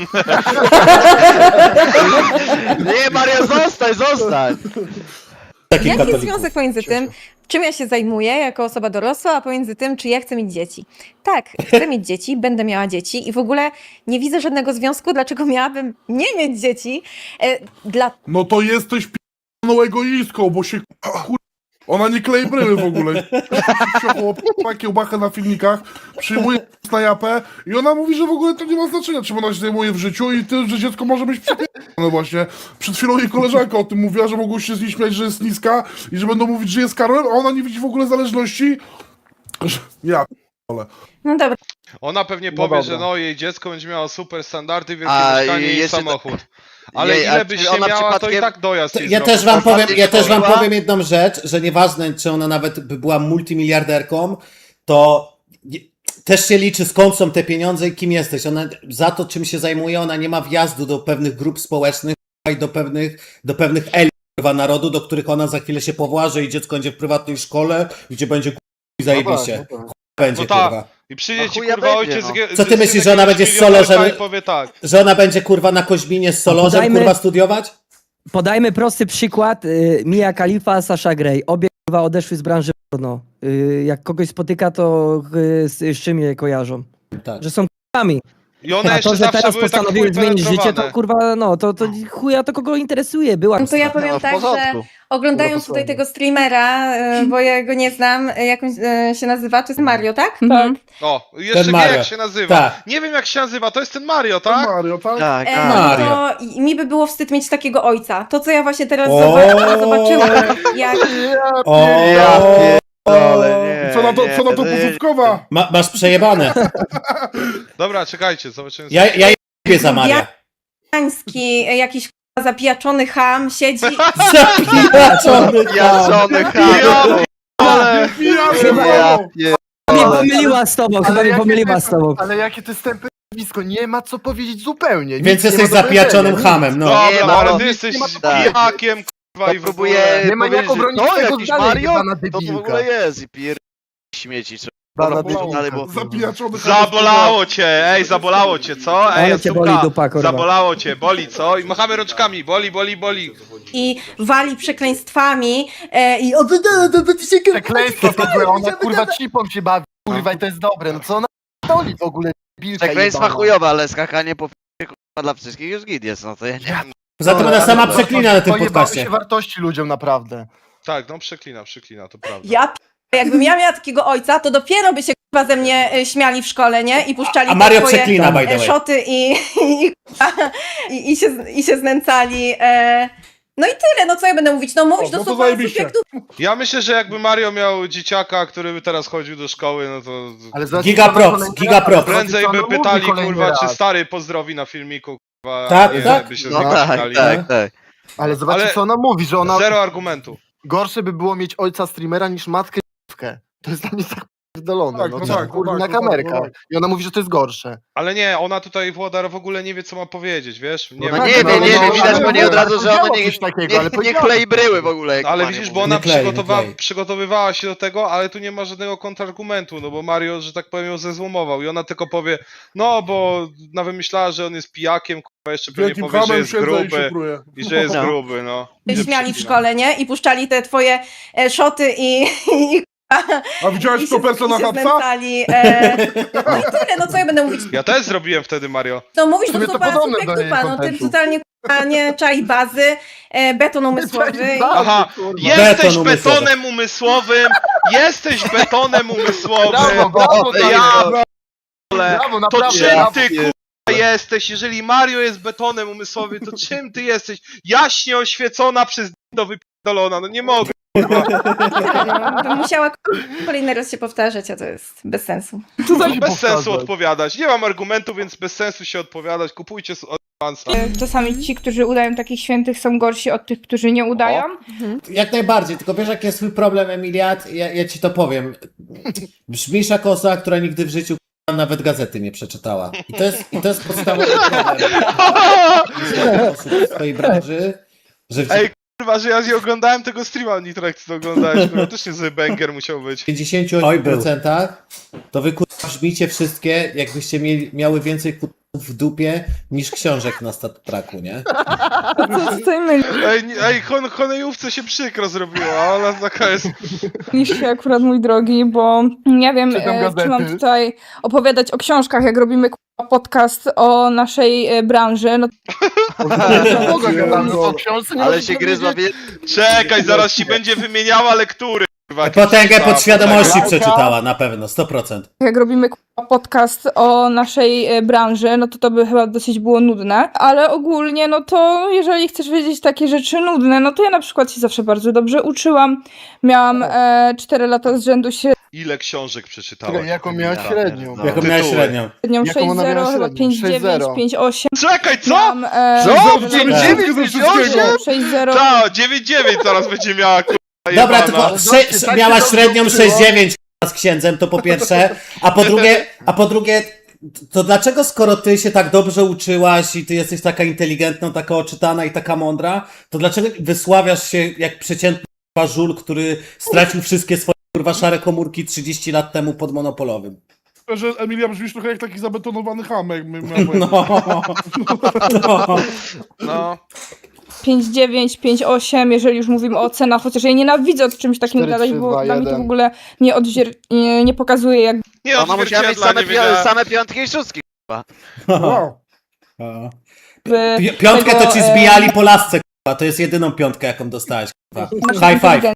[SPEAKER 3] Nie, Maria, zostań, zostań.
[SPEAKER 2] Taki
[SPEAKER 6] Jaki jest
[SPEAKER 2] katolików.
[SPEAKER 6] związek pomiędzy tym, czym ja się zajmuję jako osoba dorosła, a pomiędzy tym, czy ja chcę mieć dzieci? Tak, chcę mieć dzieci, będę miała dzieci i w ogóle nie widzę żadnego związku, dlaczego miałabym nie mieć dzieci. E, dla
[SPEAKER 8] No to jesteś p... No egoistką, bo się kur... Ona nie klei bryły w ogóle. Wsiochła kiełbachę na filmikach, przyjmuje na japę i ona mówi, że w ogóle to nie ma znaczenia, czym ona się zajmuje w życiu i ty, że dziecko może być przepierdolone właśnie. Przed chwilą jej koleżanka o tym mówiła, że mogą się z niej śmiać, że jest niska i że będą mówić, że jest Karolem, a ona nie widzi w ogóle zależności. Że... Ja p***ole.
[SPEAKER 6] No dobra.
[SPEAKER 5] Ona pewnie
[SPEAKER 7] No
[SPEAKER 5] powie,
[SPEAKER 7] dobra.
[SPEAKER 5] że no jej dziecko będzie miało super standardy, wielkie
[SPEAKER 3] A,
[SPEAKER 5] mieszkanie
[SPEAKER 3] i
[SPEAKER 5] i
[SPEAKER 3] jeszcze
[SPEAKER 5] samochód. Ale
[SPEAKER 3] Jej, a
[SPEAKER 5] ile
[SPEAKER 3] czy
[SPEAKER 5] byś nie
[SPEAKER 3] ona
[SPEAKER 5] miała, to i
[SPEAKER 3] przypadkiem-
[SPEAKER 5] tak dojazd
[SPEAKER 2] To
[SPEAKER 5] jej
[SPEAKER 2] ja
[SPEAKER 5] zrobi.
[SPEAKER 2] też wam powiem, ja też wam
[SPEAKER 3] Była?
[SPEAKER 2] powiem jedną rzecz, że nieważne, czy ona nawet by była multimiliarderką, to nie- też się liczy, skąd są te pieniądze i kim jesteś. Ona za to, czym się zajmuje, ona nie ma wjazdu do pewnych grup społecznych i do pewnych, do pewnych elit kurwa, narodu, do których ona za chwilę się powoła, że jej dziecko będzie w prywatnej szkole, gdzie będzie kurwa i zajebiście.
[SPEAKER 7] No tak, no tak.
[SPEAKER 2] Będzie
[SPEAKER 5] No tak.
[SPEAKER 2] kurwa.
[SPEAKER 5] I przyjdzie
[SPEAKER 3] No
[SPEAKER 5] ci
[SPEAKER 3] chuja
[SPEAKER 5] kurwa
[SPEAKER 3] będzie,
[SPEAKER 5] ojciec
[SPEAKER 3] no.
[SPEAKER 5] z-
[SPEAKER 2] Co ty
[SPEAKER 5] z-
[SPEAKER 2] myślisz,
[SPEAKER 5] z
[SPEAKER 2] że ona
[SPEAKER 5] jakiegoś
[SPEAKER 2] będzie z Solo,
[SPEAKER 5] milionerka
[SPEAKER 2] żeby-
[SPEAKER 5] i powie tak.
[SPEAKER 2] Że ona będzie kurwa na Koźminie z Solorzem
[SPEAKER 9] Podajmy-
[SPEAKER 2] kurwa studiować?
[SPEAKER 9] Podajmy prosty przykład. Y, Mia Khalifa, Sasha Grey. Obie kurwa odeszły z branży porno. Y, jak kogoś spotyka, to y, z, z czym je kojarzą?
[SPEAKER 2] Tak.
[SPEAKER 9] Że są kurwami.
[SPEAKER 5] I one
[SPEAKER 9] A
[SPEAKER 5] jeszcze
[SPEAKER 9] to, że
[SPEAKER 5] zawsze
[SPEAKER 9] teraz
[SPEAKER 5] były tak
[SPEAKER 9] postanowiły
[SPEAKER 5] chuj
[SPEAKER 9] zmienić życie, to
[SPEAKER 5] penetrowane.
[SPEAKER 9] kurwa, no, to, to chuja to kogo interesuje. Była
[SPEAKER 6] No to ja
[SPEAKER 3] No,
[SPEAKER 6] powiem
[SPEAKER 3] w
[SPEAKER 6] tak, że
[SPEAKER 3] porządku.
[SPEAKER 6] oglądając
[SPEAKER 7] Dobra,
[SPEAKER 6] tutaj
[SPEAKER 7] posłuchaj.
[SPEAKER 6] tego streamera, e, bo ja go nie znam, e, jak on e, się nazywa, to jest Mario, tak?
[SPEAKER 1] Mhm.
[SPEAKER 5] O, jeszcze
[SPEAKER 2] Ten
[SPEAKER 5] wie
[SPEAKER 2] Mario.
[SPEAKER 5] jak się nazywa.
[SPEAKER 2] Tak.
[SPEAKER 5] Nie wiem jak się nazywa, to jest ten Mario, tak?
[SPEAKER 8] Mario, tak?
[SPEAKER 3] Tak,
[SPEAKER 6] E,
[SPEAKER 3] tak.
[SPEAKER 2] Mario.
[SPEAKER 6] to i- mi by było wstyd mieć takiego ojca. To, co ja właśnie teraz
[SPEAKER 2] O!
[SPEAKER 6] zobaczyłam, zobaczyłam, jak
[SPEAKER 2] O,
[SPEAKER 3] Ja pierdolę, nie,
[SPEAKER 8] Co na to,
[SPEAKER 3] nie,
[SPEAKER 8] co na to
[SPEAKER 3] nie,
[SPEAKER 8] pożyczkowa?
[SPEAKER 2] Ma, masz przejebane.
[SPEAKER 5] Dobra, czekajcie, zobaczymy.
[SPEAKER 2] Ja, ja jebię za Maria.
[SPEAKER 6] Jański, e, jakiś k***a zapijaczony ham siedzi
[SPEAKER 2] Zapijaczony
[SPEAKER 3] Ja
[SPEAKER 2] tam.
[SPEAKER 3] żony
[SPEAKER 5] Ja
[SPEAKER 3] chamie.
[SPEAKER 5] ale...
[SPEAKER 8] Ja
[SPEAKER 7] Chyba
[SPEAKER 3] Ja
[SPEAKER 9] Mnie
[SPEAKER 3] pierdolę.
[SPEAKER 9] pomyliła z tobą, chyba mnie
[SPEAKER 7] jakie
[SPEAKER 9] pomyliła
[SPEAKER 7] to-
[SPEAKER 9] z tobą.
[SPEAKER 7] Ale jakie to jest tępe nazwisko, nie ma co powiedzieć zupełnie. Nic
[SPEAKER 2] Więc
[SPEAKER 7] nie
[SPEAKER 2] jesteś
[SPEAKER 7] ma do
[SPEAKER 2] zapijaczonym
[SPEAKER 7] powiedzenia,
[SPEAKER 2] hamem, no.
[SPEAKER 5] Dobra,
[SPEAKER 3] Nie, no,
[SPEAKER 5] ale
[SPEAKER 3] no,
[SPEAKER 5] ty jesteś
[SPEAKER 7] nie ma
[SPEAKER 3] co-
[SPEAKER 5] pijakiem, kurwa, i w
[SPEAKER 3] Próbuję
[SPEAKER 5] ogóle...
[SPEAKER 7] Nie ma jak
[SPEAKER 3] powiedzieć, że
[SPEAKER 7] obronić
[SPEAKER 3] to
[SPEAKER 7] tego
[SPEAKER 3] jakiś
[SPEAKER 7] dalej,
[SPEAKER 3] Mario,
[SPEAKER 7] jebana
[SPEAKER 3] to w
[SPEAKER 7] debilka.
[SPEAKER 3] ogóle jest i pier... śmieci. Trzeba
[SPEAKER 7] Bana
[SPEAKER 3] Dobra,
[SPEAKER 7] debilka.
[SPEAKER 3] dalej, bo...
[SPEAKER 8] Zapijaczony ham.
[SPEAKER 5] Zabolało cię, ej, zabolało cię, co? Ej,
[SPEAKER 9] Ale cię boli
[SPEAKER 5] Asuka,
[SPEAKER 9] dupa, kurwa.
[SPEAKER 5] zabolało cię, boli, co? I machamy rączkami, boli, boli, boli.
[SPEAKER 6] i wali przekleństwami e, i od...
[SPEAKER 7] Przekleństwo to była, ona kurwa cipą się bawi, kurwa i to jest dobre, no co ona doli w ogóle debilka
[SPEAKER 3] Przekleństwa
[SPEAKER 7] jebana.
[SPEAKER 3] chujowe, ale skakanie po f***ie, kurwa dla wszystkich już git jest, no to ja nie wiem.
[SPEAKER 2] Poza tym ona sama przeklina na tym
[SPEAKER 7] Pojebały
[SPEAKER 2] podcaście.
[SPEAKER 7] się wartości ludziom naprawdę.
[SPEAKER 5] Tak, no przeklina, przeklina, to prawda.
[SPEAKER 6] Ja p- jakbym ja miała takiego ojca, to dopiero by się k***a ze mnie e, śmiali w szkole, nie? I puszczali
[SPEAKER 2] A
[SPEAKER 6] te
[SPEAKER 2] Mario
[SPEAKER 6] swoje
[SPEAKER 2] przeklina, by the
[SPEAKER 6] e,
[SPEAKER 2] way.
[SPEAKER 6] szoty i, i, i, i, się, i się znęcali. E, no i tyle, no co ja będę mówić? No mówić
[SPEAKER 8] O,
[SPEAKER 6] do
[SPEAKER 8] no to
[SPEAKER 6] słowa
[SPEAKER 8] zajebiście.
[SPEAKER 6] subjektu.
[SPEAKER 5] Ja myślę, że jakby Mario miał dzieciaka, który by teraz chodził do szkoły, no to...
[SPEAKER 7] Ale zobaczcie,
[SPEAKER 2] Giga
[SPEAKER 7] co ona
[SPEAKER 2] props,
[SPEAKER 7] kolejny
[SPEAKER 2] giga
[SPEAKER 7] raz-
[SPEAKER 2] props.
[SPEAKER 5] Prędzej
[SPEAKER 7] co
[SPEAKER 5] by
[SPEAKER 7] ona mówi
[SPEAKER 5] pytali,
[SPEAKER 7] kolejny
[SPEAKER 5] kurwa, czy
[SPEAKER 7] raz.
[SPEAKER 5] stary pozdrowi na filmiku, kurwa,
[SPEAKER 2] Tak,
[SPEAKER 5] nie,
[SPEAKER 2] tak.
[SPEAKER 5] by się z
[SPEAKER 3] No
[SPEAKER 5] niego
[SPEAKER 3] tak,
[SPEAKER 5] śmiali.
[SPEAKER 3] tak, tak.
[SPEAKER 7] Ale zobaczcie
[SPEAKER 5] Ale-
[SPEAKER 7] co ona mówi, że ona
[SPEAKER 5] Zero argumentu.
[SPEAKER 7] gorsze by było mieć ojca streamera niż matkę dziewkę. To jest dla mnie tak pierdolone,
[SPEAKER 8] Tak,
[SPEAKER 7] no,
[SPEAKER 8] no
[SPEAKER 7] co,
[SPEAKER 8] tak, no
[SPEAKER 7] kurwa,
[SPEAKER 8] tak,
[SPEAKER 7] na
[SPEAKER 8] no tak,
[SPEAKER 7] kamerkę.
[SPEAKER 8] no tak.
[SPEAKER 7] I ona mówi, że to jest gorsze.
[SPEAKER 5] Ale nie, ona tutaj, Włodar, w ogóle nie wie, co ma powiedzieć, wiesz? Nie
[SPEAKER 3] No
[SPEAKER 5] wiem,
[SPEAKER 3] nie
[SPEAKER 5] jak
[SPEAKER 3] wie,
[SPEAKER 5] to
[SPEAKER 3] nie
[SPEAKER 5] ma-
[SPEAKER 3] wie, widać
[SPEAKER 7] ale
[SPEAKER 3] po niej od
[SPEAKER 7] mówię,
[SPEAKER 3] razu, że
[SPEAKER 7] powiedziała
[SPEAKER 3] ona nie,
[SPEAKER 7] coś takiego,
[SPEAKER 3] nie,
[SPEAKER 7] ale
[SPEAKER 3] nie
[SPEAKER 7] powiedziała.
[SPEAKER 3] klei bryły w ogóle. jak
[SPEAKER 5] Ale
[SPEAKER 3] Mario
[SPEAKER 5] widzisz,
[SPEAKER 3] mówi.
[SPEAKER 5] bo ona
[SPEAKER 2] Nie klei, nie
[SPEAKER 5] przygotowa
[SPEAKER 2] klei.
[SPEAKER 5] przygotowywała się do tego, ale tu nie ma żadnego kontrargumentu, no bo Mario, że tak powiem, ją zezłomował i ona tylko powie, no bo nawet myślała, że on jest pijakiem, kurwa, jeszcze pewnie
[SPEAKER 8] Wielkim
[SPEAKER 5] powie, że
[SPEAKER 8] hamem
[SPEAKER 5] jest
[SPEAKER 8] siedzę i się
[SPEAKER 5] gruby
[SPEAKER 8] pruję.
[SPEAKER 5] i że jest
[SPEAKER 3] No.
[SPEAKER 5] gruby, no.
[SPEAKER 6] Śmiali w szkole, nie? I puszczali te twoje e, szoty i, i,
[SPEAKER 8] A widziałeś
[SPEAKER 6] i
[SPEAKER 8] to persona
[SPEAKER 6] i się
[SPEAKER 8] Hapsa?
[SPEAKER 6] znęcali. E, no i tyle, no co ja będę mówić?
[SPEAKER 5] Ja też zrobiłem wtedy, Mario.
[SPEAKER 6] No mówisz
[SPEAKER 7] W
[SPEAKER 6] do
[SPEAKER 7] sumie to
[SPEAKER 6] słowa
[SPEAKER 7] podobne do
[SPEAKER 6] subjektu,
[SPEAKER 7] jej
[SPEAKER 6] panu, ty
[SPEAKER 7] kontentu.
[SPEAKER 6] totalnie k***a, nie czai bazy, e, beton umysłowy. i-
[SPEAKER 5] Aha,
[SPEAKER 7] kurwa.
[SPEAKER 5] jesteś
[SPEAKER 2] Beton umysłowy.
[SPEAKER 5] betonem umysłowym, jesteś betonem umysłowym.
[SPEAKER 7] Brawo, brawo,
[SPEAKER 5] Ja
[SPEAKER 7] brawo,
[SPEAKER 5] p***le.
[SPEAKER 7] brawo,
[SPEAKER 5] To
[SPEAKER 7] naprawdę.
[SPEAKER 5] czym
[SPEAKER 7] brawo.
[SPEAKER 5] ty kurwa jesteś? Jeżeli Mario jest betonem umysłowym, to czym ty jesteś? Jaśnie oświecona przez do wypierdolona, no nie mogę.
[SPEAKER 6] No, bym musiała kolejny raz się powtarzać, a to jest bez sensu.
[SPEAKER 7] Co za
[SPEAKER 5] No,
[SPEAKER 7] się
[SPEAKER 5] bez sensu
[SPEAKER 7] powtarzać?
[SPEAKER 5] odpowiadać. Nie mam argumentu, więc bez sensu się odpowiadać. Kupujcie z Advansa.
[SPEAKER 4] Czasami ci, którzy udają takich świętych, są gorsi od tych, którzy nie udają.
[SPEAKER 2] Jak najbardziej, tylko wiesz jaki jest twój problem, Emiliat? Ja, ja ci to powiem. Brzmisz jako osoba, która nigdy w życiu k***a, nawet gazety nie przeczytała. I to jest, i to jest podstawowy problem. Osób w swojej branży, że w
[SPEAKER 5] Ej, kurwa, że ja nie oglądałem tego streama, Nitro, jak ty to oglądałeś. Kurwa, też niezły banger musiał być.
[SPEAKER 2] dziewięćdziesięciu procent to wy kurwa brzmicie wszystkie, jakbyście mieli, miały więcej kurwa w dupie niż książek na stattraku, nie?
[SPEAKER 4] Co tutaj myli
[SPEAKER 5] Ej, nie- ej hon, honejówce się przykro zrobiło, ona taka jest...
[SPEAKER 4] niż się akurat, mój drogi, bo nie wiem,
[SPEAKER 7] Czytam
[SPEAKER 4] e, czy mam
[SPEAKER 7] gazety.
[SPEAKER 4] tutaj opowiadać o książkach, jak robimy kurwa, podcast o naszej e, branży. No
[SPEAKER 7] Kogo gadamy o książce? Nie
[SPEAKER 3] Ale
[SPEAKER 7] możesz
[SPEAKER 3] się gryzła
[SPEAKER 7] powiedzieć?
[SPEAKER 3] wie...
[SPEAKER 5] Czekaj, zaraz ci będzie wymieniała lektury. kurwa, jakieś
[SPEAKER 2] Potęgę
[SPEAKER 5] czytała.
[SPEAKER 2] podświadomości
[SPEAKER 7] Lalka.
[SPEAKER 2] przeczytała, na pewno, sto procent.
[SPEAKER 4] jak robimy kurwa, podcast o naszej e, branży, no to to by chyba dosyć było nudne, ale ogólnie, no to jeżeli chcesz wiedzieć takie rzeczy nudne, no to ja na przykład się zawsze bardzo dobrze uczyłam. Miałam e, cztery lata z rzędu
[SPEAKER 5] Ile książek przeczytałeś?
[SPEAKER 7] Czekaj, jaką miałeś
[SPEAKER 3] Ja
[SPEAKER 7] średnią?
[SPEAKER 3] pierdolę.
[SPEAKER 2] Jaką miałeś
[SPEAKER 5] Tytuły.
[SPEAKER 2] średnią?
[SPEAKER 4] średnią
[SPEAKER 7] Jaką
[SPEAKER 4] sześć
[SPEAKER 7] ona
[SPEAKER 4] zero,
[SPEAKER 7] miała
[SPEAKER 4] chyba
[SPEAKER 7] średnią?
[SPEAKER 4] pięć dziewięć,
[SPEAKER 7] sześć zero.
[SPEAKER 4] pięć osiem.
[SPEAKER 5] Czekaj, co?
[SPEAKER 4] Miałam, e,
[SPEAKER 3] Co?
[SPEAKER 8] Za
[SPEAKER 3] dziewięć
[SPEAKER 8] wszystkiego.
[SPEAKER 3] dziewięć
[SPEAKER 4] sześć zero.
[SPEAKER 5] Ta, dziewięć dziewięć zaraz będzie miała, kurwa,
[SPEAKER 2] Dobra,
[SPEAKER 5] jebana.
[SPEAKER 2] tylko
[SPEAKER 7] Zobaczcie,
[SPEAKER 2] sze-
[SPEAKER 7] tak
[SPEAKER 2] miała
[SPEAKER 7] się to
[SPEAKER 2] średnią
[SPEAKER 7] włączyło.
[SPEAKER 2] sześć dziewięć z księdzem, to po pierwsze, a po drugie, a po drugie, to dlaczego skoro ty się tak dobrze uczyłaś i ty jesteś taka inteligentna, taka oczytana i taka mądra, to dlaczego wysławiasz się jak przeciętny kurwa żul, który stracił wszystkie swoje kurwa szare komórki trzydzieści lat temu pod monopolowym?
[SPEAKER 8] Że Emilia brzmisz trochę jak taki zabetonowany hamek. my- my- my-
[SPEAKER 2] No, no.
[SPEAKER 5] No.
[SPEAKER 4] pięć dziewięć, pięć osiem, jeżeli już mówimy o cenach, chociaż ja nienawidzę o czymś takim
[SPEAKER 7] cztery,
[SPEAKER 4] gadać,
[SPEAKER 7] trzy,
[SPEAKER 4] bo
[SPEAKER 7] dwa,
[SPEAKER 4] dla mnie to w
[SPEAKER 7] jeden.
[SPEAKER 4] ogóle nie, odźwier- nie, nie pokazuje, jak
[SPEAKER 5] Nie,
[SPEAKER 3] Ona musiała mieć
[SPEAKER 5] odzwierciedla,
[SPEAKER 3] same,
[SPEAKER 5] nie
[SPEAKER 3] pi-
[SPEAKER 5] wiedziałem.
[SPEAKER 3] same piątki i szóstki.
[SPEAKER 8] Wow.
[SPEAKER 4] by
[SPEAKER 2] Pi- Piątkę
[SPEAKER 4] tego,
[SPEAKER 2] to ci
[SPEAKER 4] e,
[SPEAKER 2] zbijali po lasce, kurwa. To jest jedyną piątkę, jaką dostałeś, kurwa.
[SPEAKER 4] naszej
[SPEAKER 2] High five.
[SPEAKER 4] inteligencji.